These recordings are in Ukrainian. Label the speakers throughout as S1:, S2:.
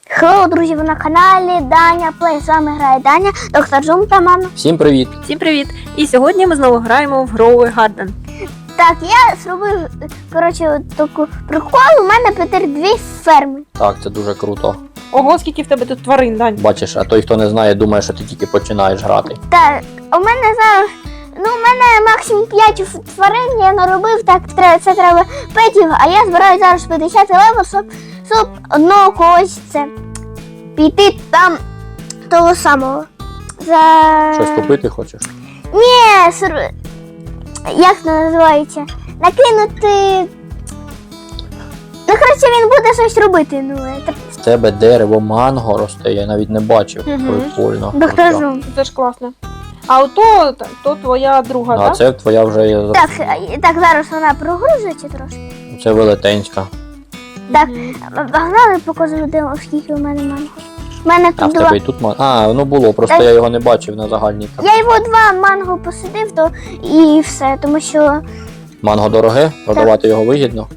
S1: Хеллоу, друзі, ви на каналі Даня Плей. З вами грає Даня, доктор Зум та мама.
S2: Всім привіт!
S3: Всім привіт! І сьогодні ми знову граємо в Grow Garden.
S1: Так, я зробив, таку прикол. У мене тепер 2 ферми.
S2: Так, це дуже круто.
S3: Ого, скільки в тебе тут тварин, Дань.
S2: Бачиш, а той, хто не знає, думає, що ти тільки починаєш грати.
S1: Так, у мене зараз, у мене максимум 5 тварин я наробив, так, це треба петів, а я збираю зараз 50 левел, щоб одного когось це піти там того самого.
S2: Щось купити хочеш?
S1: Ні, як це називається? Накинути. Ну, коротше, він буде щось робити.
S2: В тебе дерево манго росте, я навіть не бачив.
S3: Мгм.
S2: Прикольно.
S1: Доктор
S2: Круто.
S1: Зум.
S3: Це ж класно. А то твоя друга,
S2: А
S3: так?
S2: це твоя вже є.
S1: Так, зараз вона прогрузиться трошки.
S2: Це велетенська.
S1: Так, погнали, покажу, скільки у мене манго. У мене
S2: А в
S1: тут
S2: тебе і тут манго. А, воно було, просто
S1: Так.
S2: я його не бачив на загальній карті.
S1: Я його 2 манго посадив, то і все, тому що
S2: Манго дороге, продавати його вигідно.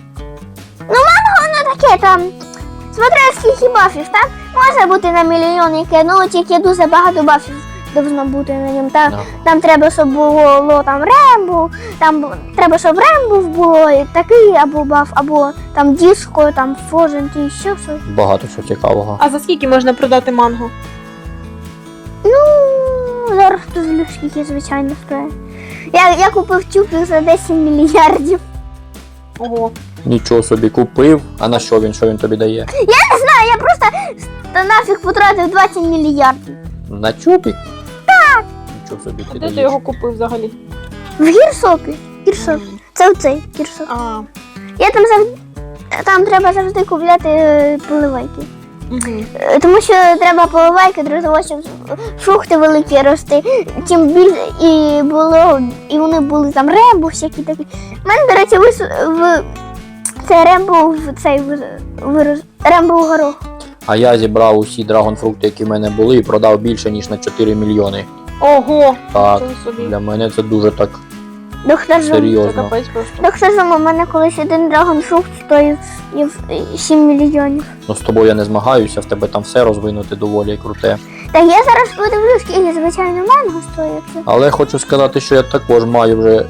S1: воно таке там. Смотря скільки бафів, так? Може бути на мільйон яке, ну тільки дуже багато бафів должно бути на ньому. Так,
S2: Да.
S1: там треба, щоб було там Рембо, там треба, щоб Рембо було і такий або баф, або там диско, там фожен, і ще щось.
S2: Багато чого цікавого.
S3: А за скільки можна продати манго?
S1: Ну, зараз дуже скільки, звичайно, стоїть. Я купив тюбик за 10 мільярдів.
S3: Ого.
S2: Нічого собі купив. А на що він? Що він тобі дає?
S1: Не знаю, я просто нафіг потратив 20 мільярдів.
S2: На чупік? Так. Нічого собі
S3: А
S2: ти
S3: де ти
S2: даєш.
S3: його купив взагалі?
S1: В гірсопі. Гірсоп. Це оцей гірсоп.
S3: А.
S1: Я там треба завжди купляти поливайки.
S3: Угу.
S1: Тому що треба поливайки для того, щоб фрукти великі рости. Тим більше і вони були там Рембо, всякі такі. У мене, до речі, це Рембо вирос. Рембо горох.
S2: А я зібрав усі драгонфрукти, які в мене були, і продав більше, ніж на 4 мільйони.
S3: Ого!
S2: Так,
S3: Нічого собі.
S2: для мене це дуже так
S1: Доктор Зум.
S3: Це
S2: серйозно.
S3: капець просто.
S1: Доктор Зум, у мене колись один драгонфрукт стоїв 7 мільйонів.
S2: Ну, з тобою я не змагаюся, в тебе там все розвинути доволі круте.
S1: Так я зараз подивлюсь, скільки звичайно манго стоїть.
S2: Але хочу сказати, що я також маю вже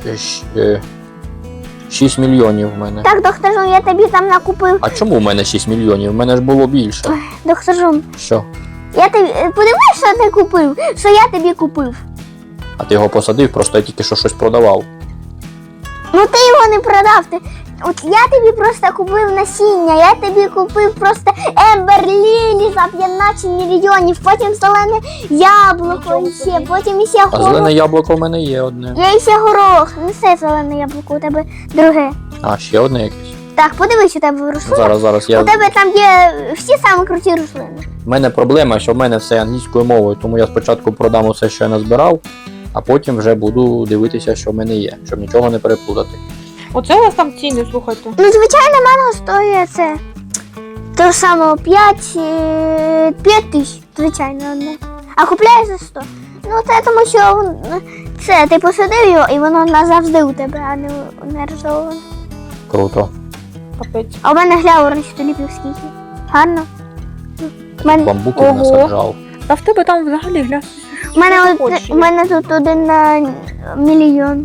S2: 6 мільйонів в мене.
S1: Так, доктор Зум, я тобі там накупив.
S2: А чому в мене 6 мільйонів? В мене ж було більше.
S1: Доктор Зум,
S2: Що?
S1: я тобі подивись, що ти купив, що я тобі купив.
S2: А ти його посадив, просто я тільки що щось продавав.
S1: Ну ти його не продав. От я тобі просто купив насіння, я тобі купив просто Ембер Лілі за 15 мільйонів, потім зелене яблуко
S3: Нічого
S1: іще,
S3: собі.
S1: потім іще
S2: А
S1: горох.
S2: зелене яблуко в мене є одне.
S1: Я іще горох, не все зелене яблуко, у тебе друге.
S2: А, ще одне якесь.
S1: Так, подивись, у тебе рослини.
S2: Зараз
S1: У
S2: я.
S1: тебе там є всі самі круті рослини.
S2: В мене проблема, що в мене все англійською мовою, тому я спочатку продам усе, що я назбирав, а потім вже буду дивитися, що в мене є, щоб нічого не переплутати.
S3: Оце у вас там ціни, слухайте.
S1: Ну, звичайно, манго стоїть це того самого 5 тисяч, звичайно, одне. А купляєш за 100. Ну, це тому, що це ти посадив його і воно назавжди у тебе, а не розоване.
S2: Круто.
S3: Капець.
S1: А у мене глянь, туліпів скільки. Гарно.
S2: Бамбуків
S3: Ого.
S2: насаджав.
S3: Та в тебе там взагалі гля.
S1: У мене тут 1 на мільйон.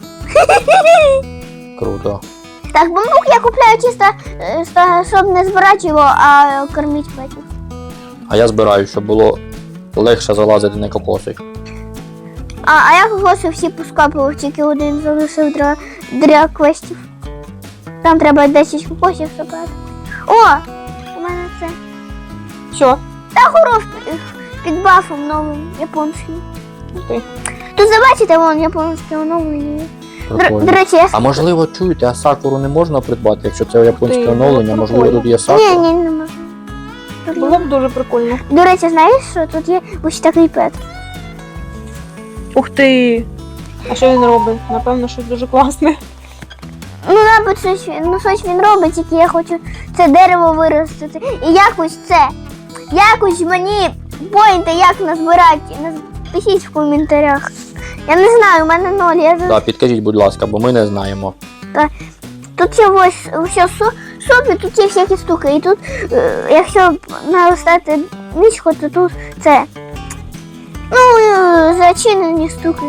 S2: Круто.
S1: Так, бамбук я купляю чисто, щоб не збирати його, а кормити петів.
S2: А я збираю, щоб було легше залазити на кокоси.
S1: А я кокоси всі поскапував, тільки один залишив для квестів. Там треба 10 кокосів забрати. О! У мене це.
S3: Що?
S1: Та горох під бафом новим, японський.
S3: Ух ти.
S1: Тут забачите, вон японський оновлення. До
S2: Прикольно.
S1: речі, я...
S2: А можливо, чуєте, а сакуру не можна придбати, якщо це японське
S3: Ти,
S2: оновлення,
S3: ну,
S2: можливо,
S3: прикольно.
S2: тут є сакура?
S1: Ні, не можу. Тут
S3: Було б дуже прикольно.
S1: До речі, знаєш, що тут є ось такий пет.
S3: Ух ти. А що він робить? Напевно, щось дуже класне.
S1: Ну, мабуть, щось він робить, тільки я хочу це дерево виростити. І якось мені поінти, як назбирати. Напишіть в коментарях. Я не знаю, у мене 0.
S2: Так, підкажіть, будь ласка, бо ми не знаємо.
S1: Тут є ось все шопі тут є всякі штуки. І тут, якщо налистати нічку, то тут це. Ну, зачинені штуки.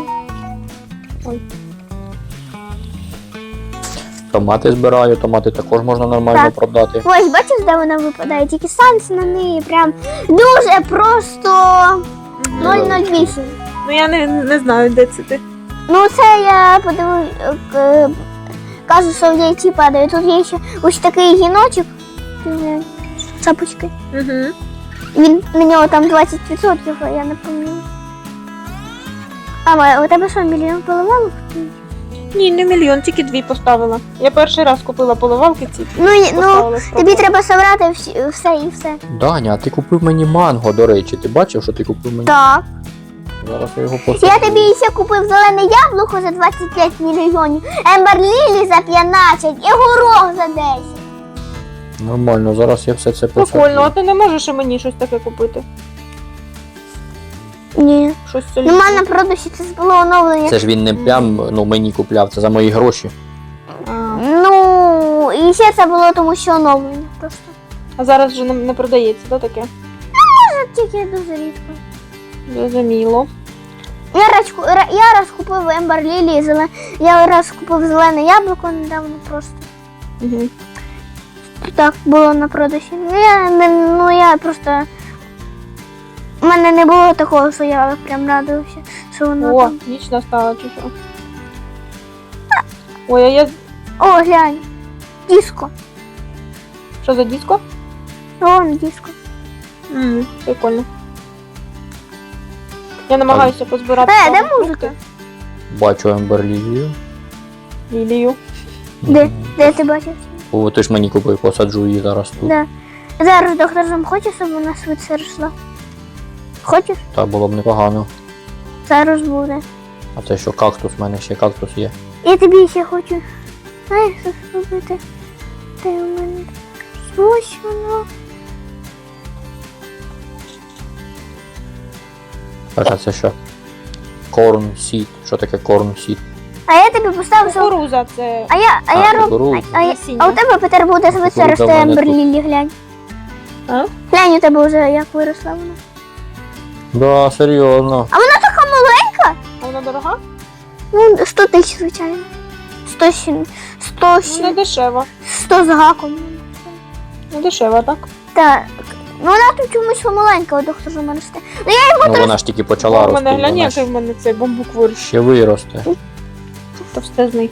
S2: Томати збираю, томати також можна нормально
S1: Так.
S2: продати.
S1: Ось, бачиш, де вона випадає? Тільки санкс на неї прям дуже просто 008.
S3: Ну я не знаю, де це ти.
S1: Ну, це я подивив, кажу, що в яйці падає. Тут є ще ось такий гіночок. Шапочки.
S3: Угу.
S1: Він на нього там 20%, а я не пам'ятаю. У тебе що, мільйон поливалок?
S3: Ні, не мільйон, тільки 2 поставила. Я перший раз купила поливалки ці.
S1: Ну,
S3: Поставила
S1: тобі
S3: спробувати.
S1: треба зібрати все і все.
S2: Даня, а ти купив мені манго, до речі. Ти бачив, що ти купив мені?
S1: Так.
S2: Зараз я його посаджу.
S1: Я тобі ще купив зелене яблуко за 25 мільйонів, Ембер Лілі за 15 і горох за 10.
S2: Нормально, зараз я все це посаджу.
S3: Прикольно, а ти не можеш і мені щось таке купити?
S1: Ні.
S3: Щось
S1: Ну,
S3: солідне.
S1: в мене на продажі це було оновлення.
S2: Це ж він не прям мені купляв, це за мої гроші.
S3: А.
S1: Ну, і ще це було тому, що оновлення просто.
S3: А зараз вже не продається, да, таке?
S1: Тільки дуже рідко.
S3: Зрозуміло.
S1: Я раз купив Ембер Лілі, я раз купив зелене яблуко недавно просто.
S3: Угу.
S1: Так, було на продажі. Я просто. У мене не було такого, що я прям радувався, що воно
S3: О,
S1: там.
S3: ніч настала чи що? Ой, а я...
S1: О, глянь. Диско.
S3: Що за диско?
S1: Вон диско.
S3: Прикольно. Я намагаюся позбирати.
S1: Де
S3: фрукти.
S1: музика?
S2: Бачу Емберлію.
S3: Лілію.
S1: Де ти бачив?
S2: О, ти ж мені купив, посаджу її зараз тут.
S1: Да. Зараз доктор Жом хоче, щоб вона швидше росла. Хочеш?
S2: Та було б непогано.
S1: Зараз буде.
S2: А це що, кактус? У мене ще кактус є.
S1: Я тобі ще хочу. Знаєш, що зробити? Де у мене? Ось воно.
S2: Так, а це що? Corn seed. Що таке corn seed?
S1: А я тобі поставив, що...
S3: Кукуруза це...
S1: А я роблю...
S2: кукурудза.
S1: А у тебе, Петер, буде швидше
S2: Кукурудза
S1: рости
S2: в мене
S1: Ембер
S2: тут.
S1: Лілі, глянь.
S3: А?
S1: Глянь, у тебе вже як виросла вона.
S2: Да, серйозно.
S1: Така маленька?
S3: А вона дорога?
S1: Ну, 100 тисяч, звичайно. 100
S3: Не дешева.
S1: 100 з гаком.
S3: Не дешева, так?
S1: Так. Ну, вона тут чомусь маленька, у доктора Жума росте.
S2: Ну вона ж тільки почала
S3: У
S2: рости.
S3: мене глянь,
S2: Вона
S3: який
S2: ж
S3: в мене цей бамбук виріс.
S2: ще виросте.
S3: Товстезний.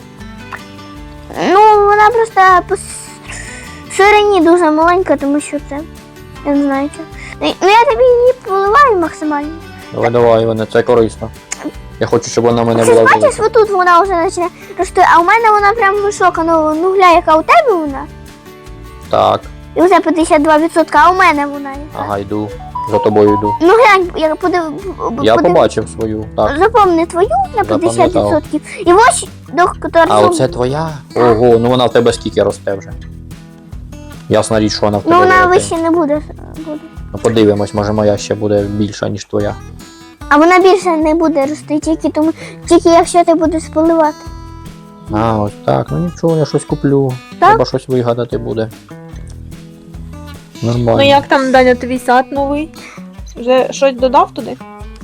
S1: Ну, вона просто по ширині дуже маленька, тому що це. Я не знаю чого. Ну, я тобі її поливаю максимально.
S2: Давай, Іване, це корисно. Я хочу, щоб вона в мене
S1: Ти
S2: була
S1: ж бачиш,
S2: велика.
S1: отут вона вже почне рости, а у мене вона прям висока. Ну глянь, яка у тебе вона.
S2: Так,
S1: І вже 52%, а у мене вона яка.
S2: ага, йду. За тобою йду.
S1: Ну глянь, я
S2: Я побачив свою. Так.
S1: Запомни твою на 50%. І ось доктор
S2: А
S1: Жум.
S2: оце твоя? Ого, ну вона в тебе скільки росте вже. Ясна річ, що вона в тебе
S1: Ну вона
S2: велика.
S1: вище не буде.
S2: Ну подивимось, може моя ще буде більша, ніж твоя.
S1: А вона більше не буде рости, тільки якщо ти будеш поливати.
S2: А, ось так, ну нічого, я щось куплю.
S1: Так?
S2: Треба щось вигадати буде. Нормально.
S3: Ну як там, Даня, твій сад новий? Вже щось додав туди?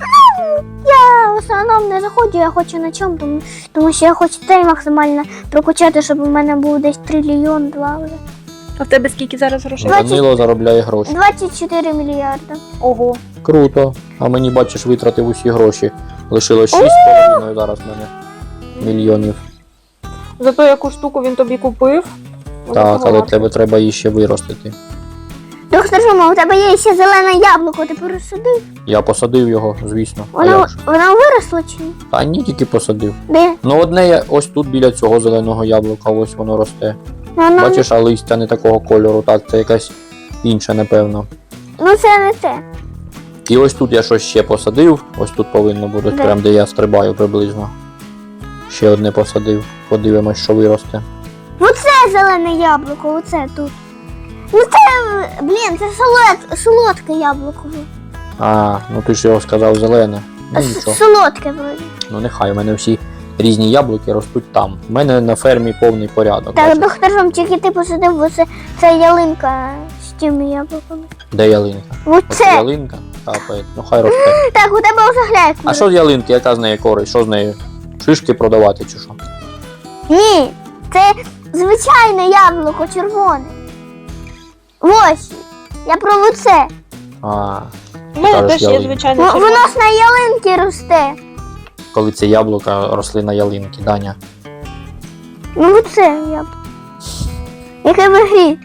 S1: Я в основному не заходжу, я хочу на чому, тому що я хочу цей максимально прокачати, щоб у мене був десь трильйон, 2 вже.
S3: А в тебе скільки зараз грошей?
S2: Данило заробляє гроші.
S1: 24 мільярда.
S3: Ого.
S2: Круто. А мені, бачиш, витратив усі гроші. Лишилось 6,5 зараз в мене мільйонів.
S3: Зато яку штуку він тобі купив.
S2: Так, але тебе треба її ще виростити.
S1: Доктор Жума, у тебе є ще зелене яблуко, ти пересадив?
S2: Я посадив його, звісно. А як же?
S1: Вона виросла чи ні?
S2: Та ні, тільки посадив.
S1: Де?
S2: Ну одне я ось тут біля цього зеленого яблука, ось воно росте.
S1: Вона...
S2: Бачиш, а листя не такого кольору, так, це якась інша, напевно.
S1: Ну це не те.
S2: І ось тут я щось ще посадив, ось тут повинно бути,
S1: Де?
S2: прям де я стрибаю приблизно. Ще одне посадив, подивимось, що виросте.
S1: Оце зелене яблуко, оце тут. Ну це, блін, це солодке яблуко.
S2: А, ну ти ж його сказав зелене. Ну нічого.
S1: Солодке вроді.
S2: Ну нехай, у мене всі різні яблуки ростуть там. У мене на фермі повний порядок.
S1: Так,
S2: бачиш?
S1: доктор Жом, тільки ти посадив, бо це ялинка з тими яблуками.
S2: Де ялинка? Оце
S1: Оце.
S2: ялинка? Капає. Ну хай росте.
S1: Так, у тебе вже гляйк.
S2: А що з ялинки? Яка з неї користь? Що з нею? Шишки продавати чи що?
S1: Ні, це звичайне яблуко червоне. Ось. Я про це.
S2: А,
S3: У мене
S2: Кажеш,
S3: теж є,
S2: ялинка.
S3: звичайно,
S1: Воно
S3: червоне.
S1: ж на ялинці росте.
S2: коли це яблука росли на ялинки, Даня.
S1: Ну це яблуко. Яке в грі.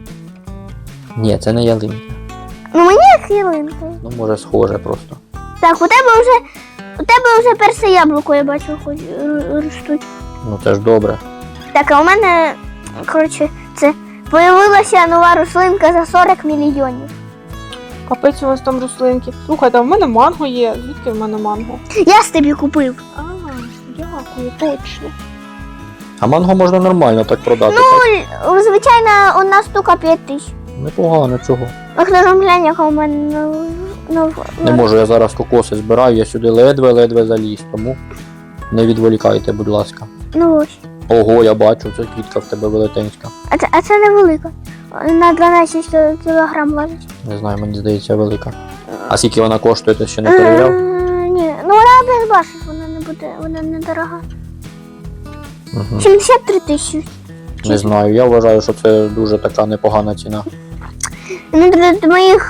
S2: Ні, це не ялинка.
S1: Ну мені як ялинка.
S2: Ну, може, схоже просто.
S1: Так, у тебе вже перше яблуко, я бачу, хоч ростуть.
S2: Ну це ж добре.
S1: Так, а у мене, коротше, це появилася нова рослинка за 40 мільйонів.
S3: Капець у вас там рослинки. Слухайте, а в мене манго є. Звідки в мене манго?
S1: Я ж тобі купив.
S3: А, дякую, точно.
S2: А манго можна нормально так продати. так.
S1: Звичайно, одна штука 5 тисяч.
S2: Непогано, чого.
S1: А хто ж глянь, яка у мене
S2: Не можу, я зараз кокоси збираю, я сюди ледве-ледве заліз, тому не відволікайте, будь ласка.
S1: Ну ось.
S2: Ого, я бачу, це квітка в тебе велетенська.
S1: А це невелика. На 12 кілограм важить.
S2: Не знаю, мені здається, велика. А скільки вона коштує, ти ще не перевіряв?
S1: Ні, ну вона без бачиш, вона не дорога.
S2: Угу.
S1: 73 тисячі.
S2: Не знаю, я вважаю, що це дуже така непогана ціна.
S1: Ну, для моїх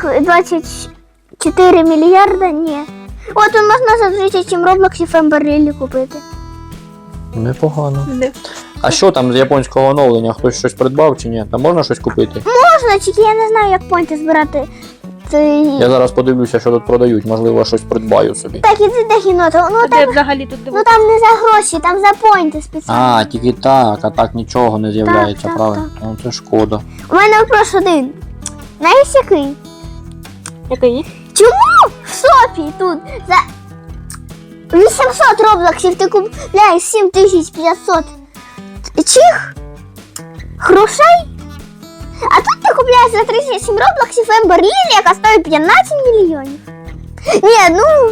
S1: 24 мільярда, ні. От можна за 37 роблоксів Емберлі купити.
S2: Непогано.
S3: Не.
S2: А що там з японського оновлення? Хтось щось придбав чи ні? Там можна щось купити?
S1: Можна, тільки я не знаю, як пойнти збирати.
S2: Я зараз подивлюся, що тут продають, можливо, щось придбаю собі.
S1: Так, іди до кіноту. Ну,
S3: А де взагалі тут
S1: ну
S3: дивитися?
S1: там не за гроші, там за пойнти спеціально.
S2: А, тільки так, а так нічого не з'являється,
S1: так,
S2: правильно? Ну це шкода.
S1: У мене вопрос один. Знаєш який?
S3: Який?
S1: В Сопі тут за 800 роблоксів ти купляєш 7500 чих грошей, а тут ти купляєш за 37 роблоксів Ембер Лілі, яка стоїть 15 мільйонів. Ні, ну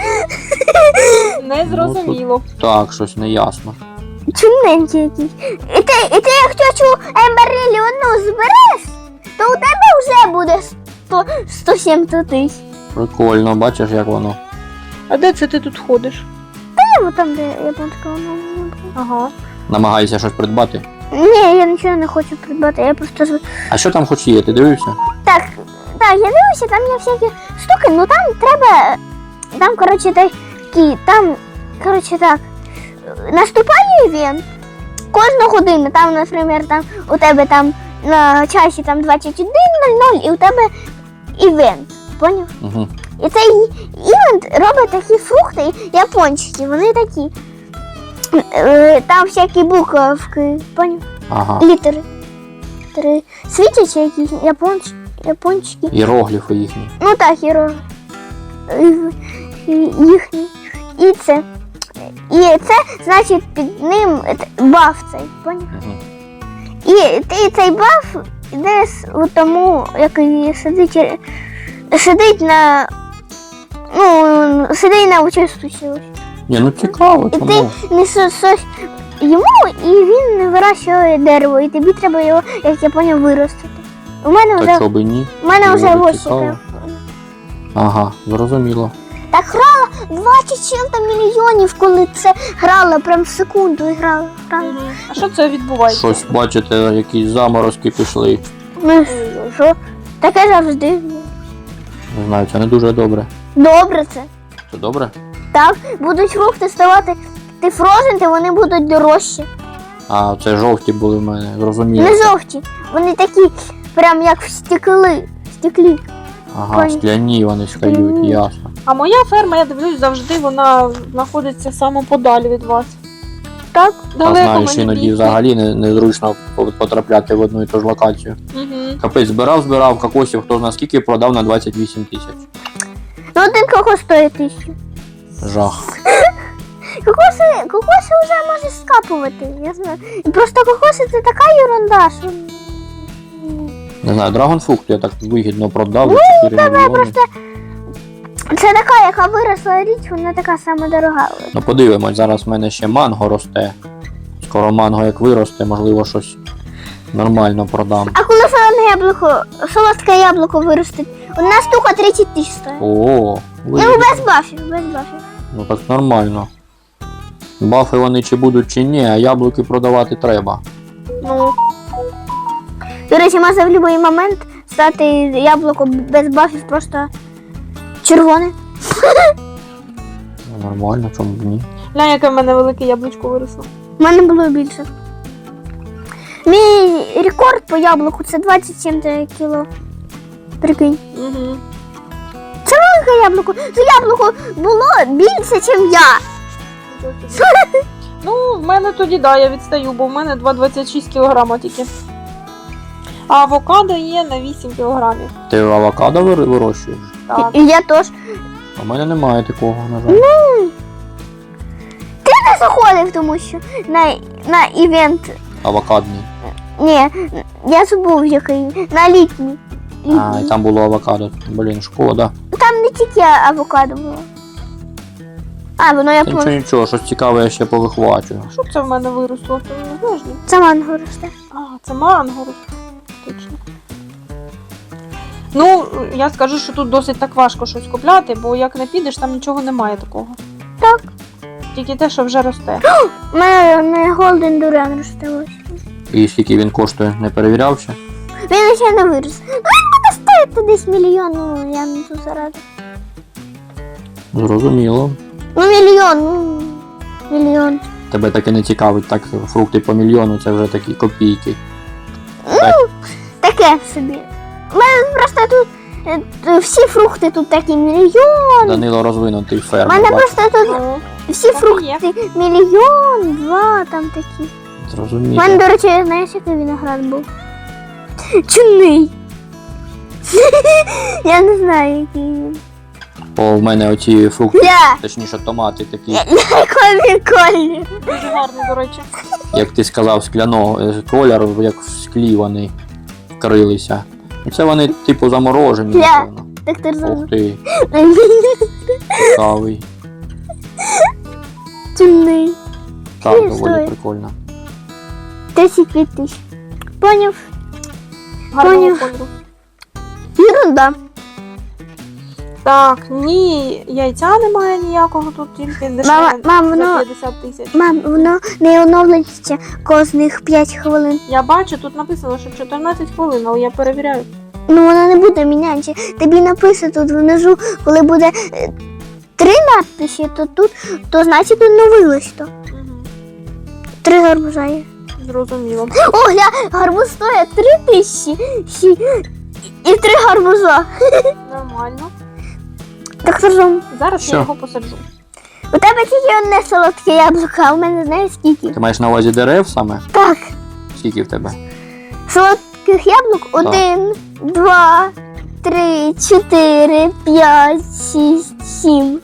S3: Не зрозуміло.
S2: Так, щось неясно.
S1: чумненький якийсь. І ти як тьочу Ембер Лілі одну збереш, то у тебе вже буде 170 тисяч.
S2: Прикольно, бачиш, як воно.
S3: А де це ти тут ходиш?
S1: Ну там, де японська мова.
S3: Ага.
S2: Намагаєшся щось придбати.
S1: Ні, я нічого не хочу придбати, я просто
S2: А що там хоч є, ти дивився?
S1: Так, я дивлюся, там є всякі штуки, ну там треба. Там, коротше, такі, там, коротше, так. Наступає івент кожну годину. Там, наприклад, там у тебе там на часі там 21:00 і у тебе івент. Поняв?
S2: Угу.
S1: І цей івент робить такі фрукти японські, вони такі. Там всякі буковки, поняв?
S2: Ага.
S1: Літери. Світяться якісь японські.
S2: Іерогліфи їхні.
S1: Ну так, їхні. І це. Значить, під ним баф цей, поняв?
S2: Угу.
S1: І цей баф йде у тому, який сидить на. Ну, сидить на участку.
S2: Ні, ну цікаво,
S1: І
S2: чому?
S1: ти несеш йому, і він вирощує дерево, і тобі треба його, як я поняв, виростити. У мене
S2: Та
S1: вже
S2: чого би ні?
S1: вже
S2: Дуже
S1: ось
S2: цікаво.
S1: яке.
S2: Ага, зрозуміло.
S1: Так грала 20 чим-то мільйонів, коли це грала, прям в секунду і грала.
S3: А що це відбувається?
S2: Щось, бачите, якісь заморозки пішли.
S1: Ну що? Таке завжди.
S2: Не знаю, це не дуже добре.
S1: Добре це.
S2: Це добре?
S1: Так, будуть фрукти ставати фрозенти, вони будуть дорожчі.
S2: А, це жовті були в мене, зрозуміло.
S1: Не жовті. Вони такі, прям як в стеклі.
S2: Ага,
S1: Понял.
S2: скляні вони стають,
S1: Скляні.
S2: ясно.
S3: А моя ферма, я дивлюсь, завжди вона знаходиться саме подалі від вас.
S1: Так?
S2: А
S3: Далеко
S2: знаєш,
S3: мені
S2: іноді
S3: бігти.
S2: взагалі незручно потрапляти в одну і ту ж локацію.
S3: Угу.
S2: Капець, збирав кокосів, хто зна скільки, продав на 28 тисяч.
S1: Ну один кокос стоїть 1000.
S2: Жах.
S1: Кокоси вже можеш скапувати, я знаю. І просто кокоси це така ерунда, що.
S2: Не знаю, драгонфрукт я так вигідно продав за 4 мільйони.
S1: Це така, яка виросла річ, вона така сама дорога.
S2: Ну подивимось, зараз в мене ще манго росте. Скоро манго як виросте, можливо, щось нормально продам.
S1: А коли солодке яблуко виростить, одна штука 30 тисяч стоїть.
S2: О,
S1: Ну, без бафів.
S2: ну так нормально. Бафи вони чи будуть, чи ні, а яблуки продавати треба.
S3: Ну,
S1: До речі, може в будь-який момент стати яблуко без бафів просто червоне.
S2: Ну, нормально, чому б ні.
S3: глянь, яке в мене велике яблучко виросло.
S1: У мене було більше. Мій рекорд по яблуку це 27 кіло. Прикинь.
S3: Угу.
S1: Велике яблуко. Це яблуко було більше, ніж я.
S3: Ну, в мене тоді, да, я відстаю, бо в мене 2,26 кг тільки. А авокадо є на 8 кілограмів.
S2: Ти авокадо вирощуєш?
S3: Так.
S1: І я теж.
S2: У мене немає такого, на жаль.
S1: Ти не заходив, тому що на івент.
S2: Авокадний.
S1: Ні, я забув який. На літній.
S2: А, і там було авокадо. Блін, шкода.
S1: Там не тільки авокадо було. А, воно я
S2: Та нічого,
S1: помню.
S2: нічого, щось цікаве я ще повихвачую.
S3: Що це в мене виросло? Ти не знаєш? ні?
S1: Це манго росте.
S3: А, це манго. Точно. Ну, я скажу, що тут досить так важко щось купляти, бо як не підеш, там нічого немає такого.
S1: Так.
S3: Тільки те, що вже росте.
S1: У мене Golden Durian росте ось.
S2: І скільки він коштує, не перевіряв ще?
S1: Він ще не вирос. Ну, він буде стоїти десь мільйон, ну я не тут заради.
S2: Зрозуміло.
S1: Ну мільйон.
S2: Тебе таке не цікавить, так фрукти по мільйону, це вже такі копійки.
S1: Таке собі. У мене просто тут всі фрукти тут такі мільйон.
S2: Данило розвинутий
S1: У
S2: фермер.
S1: мене
S2: бачиш?
S1: просто тут
S3: Ну,
S1: всі
S3: так і є.
S1: фрукти мільйон, два там такі. У
S2: Зрозуміло.
S1: мене, до речі, знаєш, який виноград був? Чудний. Я не знаю, який він.
S2: О, в мене оці фрукти,
S1: Ля,
S2: точніше томати такі,
S1: який колір.
S3: Дуже гарний, до речі.
S2: як ти сказав, скляного кольору, як в склі вони вкрилися. Ну, це вони типу заморожені,
S1: Ля.
S2: напевно.
S1: Так ти
S2: Ух
S1: розумієш.
S2: ти, цікавий.
S1: Чудний.
S2: Так,
S1: Ні,
S2: доволі
S1: стой.
S2: прикольно.
S1: 35 тисяч. Поняв?
S3: Гарного
S1: Поняв.
S3: кольору.
S1: Ерунда.
S3: Так, ні, яйця немає ніякого, тут тільки дешеве
S1: Мам,
S3: за
S1: воно,
S3: 50 тисяч.
S1: мам, воно не оновлюється кожних 5 хвилин.
S3: Я бачу, тут написано, що 14 хвилин, але я перевіряю.
S1: Ну воно не буде мінятися. Тобі написано тут внизу, коли буде 3 надписи, то тут, то значить оновилось то.
S3: Угу.
S1: 3 гарбуза є.
S3: Зрозуміло.
S1: О, гля, гарбуз стоїть 3 тисячі і 3 гарбуза.
S3: Нормально.
S1: Так розум.
S3: Зараз
S2: Що?
S3: я його посаджу.
S1: У тебе тільки одне солодке яблуко, а у мене знаєш скільки?
S2: Ти маєш на увазі дерев саме?
S1: Так,
S2: Скільки в тебе?
S1: солодких яблук 1, 2, 3, 4, 5, 6, 7.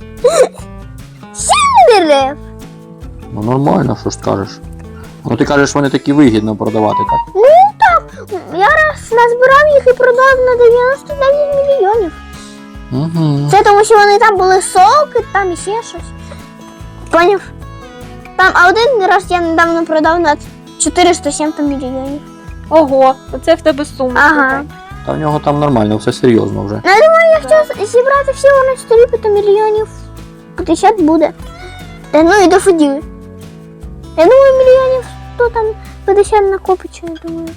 S1: 7 дерев.
S2: Ну нормально, що ж скажеш. Ну ти кажеш, вони такі вигідно продавати, так?
S1: Ну так, я раз назбирав їх і продав на 99 мільйонів.
S2: Угу.
S1: Це тому, що вони там були соки, там і ще щось. Поняв? Там, а один раз я недавно продав на 407 мільйонів.
S3: Ого, оце в тебе сума.
S1: Ага.
S3: слухай.
S2: Та в нього там нормально, все серйозно вже.
S1: Ну, я думаю, якщо зібрати всього на 4 то мільйонів 50 буде. Та ну і доходили. Я думаю, мільйонів 100 там 50 накопиться, я думаю.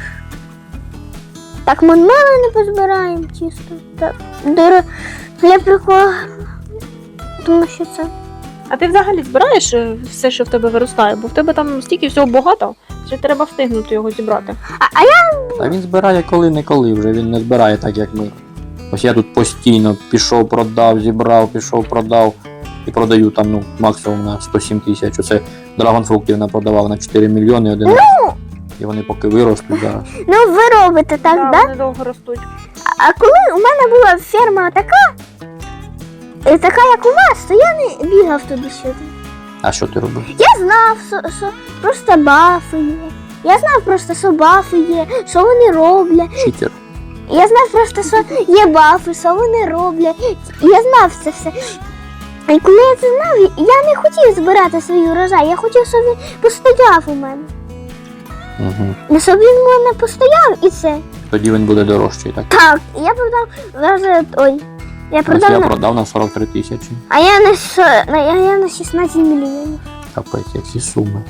S1: Так, ми мало не позбираємо чисто. Так, для приколу. Тому що це.
S3: А ти взагалі збираєш все, що в тебе виростає? Бо в тебе там стільки всього багато, що треба встигнути його зібрати.
S1: А я
S2: Та він збирає коли-неколи вже, він не збирає так, як ми. Ось я тут постійно пішов, продав, зібрав, пішов, продав. І продаю там, ну, максимум на 107 тисяч. Оце драгонфруктів напродавав на 4 мільйони один раз. І вони поки виростуть зараз.
S1: ну ви робите так, да?
S3: Вони довго ростуть.
S1: А коли у мене була ферма така, як у вас, то я не бігав туди-сюди.
S2: А що ти робив?
S1: Я знав, просто бафи є. Я знав просто, що бафи є, що вони роблять.
S2: Читер.
S1: Я знав просто, що є бафи, що вони роблять. Я знав це все. І коли я це знав, я не хотів збирати свій урожай, я хотів, щоб він постояв у мене.
S2: Угу.
S1: Щоб він у мене постояв і все.
S2: Тоді він буде дорожчий, так?
S1: Так, я продав вже, ой, я
S2: Ось
S1: продав,
S2: я продав на 43 тисячі.
S1: а я я на 16 мільйонів.
S2: Капець, які суми.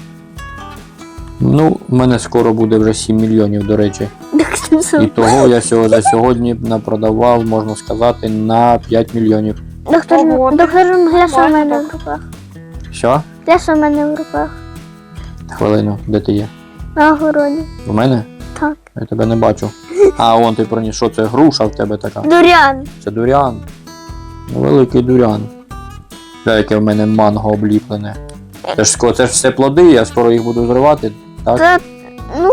S2: Ну, в мене скоро буде вже 7 мільйонів, до речі. І того я за сьогодні напродавав, можна сказати, на 5 мільйонів.
S1: Доктор,
S3: Ого,
S1: доктор, гляш у
S3: нормально
S1: мене
S3: так.
S1: в руках.
S2: Що?
S1: Гляш у мене в руках.
S2: Хвилину, де ти є?
S1: На огороді.
S2: В мене?
S1: Так.
S2: Я тебе не бачу. А, вон ти приніс, що це груша в тебе така?
S1: Дурян.
S2: Це дурян. Ну, великий дурян. Це яке в мене манго обліплене. Це ж все плоди, я скоро їх буду зривати, так?
S1: Це, ну,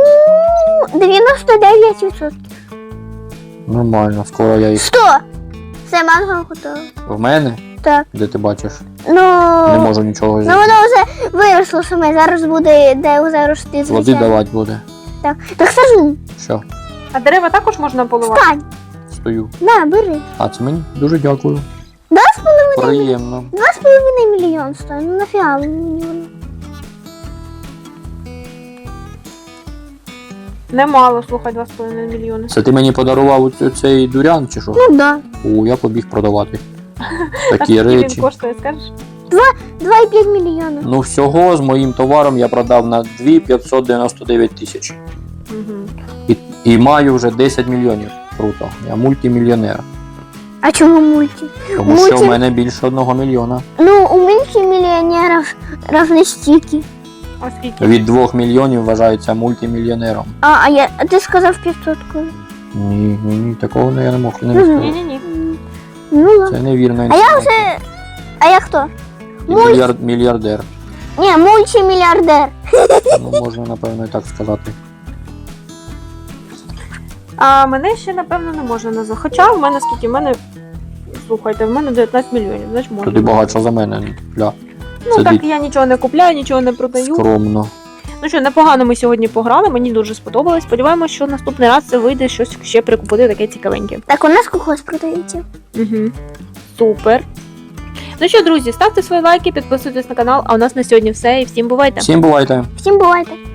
S1: 99%.
S2: Нормально, скоро я їх.
S1: 100. Все, манго готове.
S2: В мене?
S1: Так.
S2: Де ти бачиш?
S1: Ну,
S2: Не можу нічого
S1: ну
S2: зробити.
S1: воно вже виросло саме. Зараз буде, де вже рости,
S2: Плоди
S1: звичайно.
S2: давати буде.
S1: Так. Так сажу.
S2: Що?
S3: А дерева також можна поливати?
S1: Встань.
S2: Стою.
S1: На, бери.
S2: А це мені? Дуже дякую.
S1: 2,5
S2: Приємно.
S1: мільйон стоїть. Ну нафіга мені воно.
S3: Немало, слухай, 2,5 мільйони.
S2: Це ти мені подарував цей дурян чи що?
S1: Ну да.
S2: О, я побіг продавати.
S3: А
S2: Такі
S3: скільки він
S2: речі.
S3: коштує, скажеш?
S1: 2,5 мільйона.
S2: Ну всього з моїм товаром я продав на 2,599 тисяч.
S3: Угу.
S2: І маю вже 10 мільйонів. Круто. Я мультимільйонер.
S1: А чому мульті?
S2: Тому що в
S1: Мульти-
S2: мене більше 1 мільйона.
S1: Ну, у мультимільйонерів равно стільки.
S3: А скільки?
S2: Від 2 мільйонів вважається мультимільйонером.
S1: А ти сказав 500 коли.
S2: Ні, такого я не мог не
S1: Мгм.
S2: сказати.
S3: Ні-ні-ні.
S1: Ну ладно.
S2: Це невірна
S1: А я
S2: інформація.
S1: вже. А я хто?
S2: І мільярдер.
S1: Ні, мультимільярдер.
S2: Ну, можна, напевно, і так сказати.
S3: А мене ще, напевно, не можна назвати. Хоча в мене скільки? В мене. Слухайте, в мене 19 мільйонів, значить можна.
S2: Тоді багатша за мене. Ля.
S3: Ну
S2: Це
S3: так я нічого не купляю, нічого не продаю.
S2: скромно.
S3: Ну що, непогано ми сьогодні пограли, мені дуже сподобалось. Сподіваємось, що наступний раз це вийде щось ще прикупити таке цікавеньке.
S1: Так, у нас колхоз продається.
S3: Угу. Супер. Ну що, друзі, ставте свої лайки, підписуйтесь на канал, а у нас на сьогодні все і всім бувайте!
S2: Всім бувайте!
S1: Всім бувайте.